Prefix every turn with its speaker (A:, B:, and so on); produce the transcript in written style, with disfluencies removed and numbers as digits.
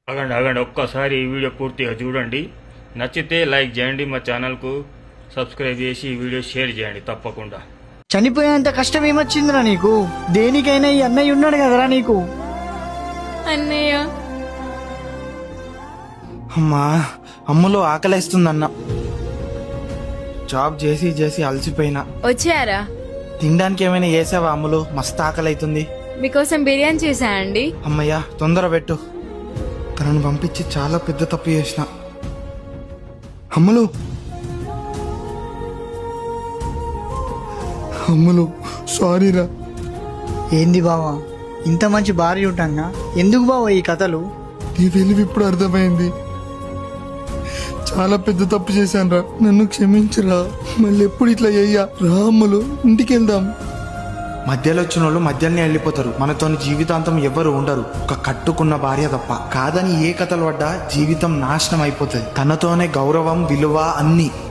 A: ఆగండి ఆగండి, ఒక్కసారి ఈ వీడియో పూర్తిగా చూడండి. నచ్చితే లైక్ చేయండి, మా ఛానల్కు సబ్స్క్రైబ్ చేసి ఈ వీడియో షేర్ చేయండి తప్పకుండా.
B: చనిపోయేంత కష్టం ఏమొచ్చిందిరా నీకు? దేనికైనా ఈ అన్నయ్య ఉన్నాడు కదరా నీకు.
C: అన్నయ్య
D: అమ్మా, అమ్ములో ఆకలేస్తుందన్న. జాబ్ చేసి చేసి అలసిపోయినా.
C: వచ్చారా?
D: తినడానికి ఏమైనా చేసావా అమ్ములు? మస్తు ఆకలి అవుతుంది.
C: మీకోసం బిర్యానీ చేశా అండి.
D: అమ్మయ్యా, తొందర పెట్టు. తనను పంపించి చాలా పెద్ద తప్పు చేసిన. అమ్ములు, అమ్ములు సారీరా.
B: ఏంది బావా, ఇంత మంచి భార్య ఉంటాగా ఎందుకు బావా ఈ కథలు?
D: నీ వెలుగు ఇప్పుడు అర్థమైంది. చాలా పెద్ద తప్పు చేశాను రా, నన్ను క్షమించరా. మళ్ళీ ఎప్పుడు ఇట్లా చెయ్యా రా. అమ్ములు, ఇంటికి వెళ్దాం. మధ్యలో వచ్చిన వాళ్ళు మధ్యలోనే వెళ్ళిపోతారు. మనతోని జీవితాంతం ఎవరు ఉండరు, ఒక కట్టుకున్న భార్య తప్ప. కాదని ఏ కథలు పడ్డా జీవితం నాశనం అయిపోతుంది. తనతోనే గౌరవం, విలువ అన్ని.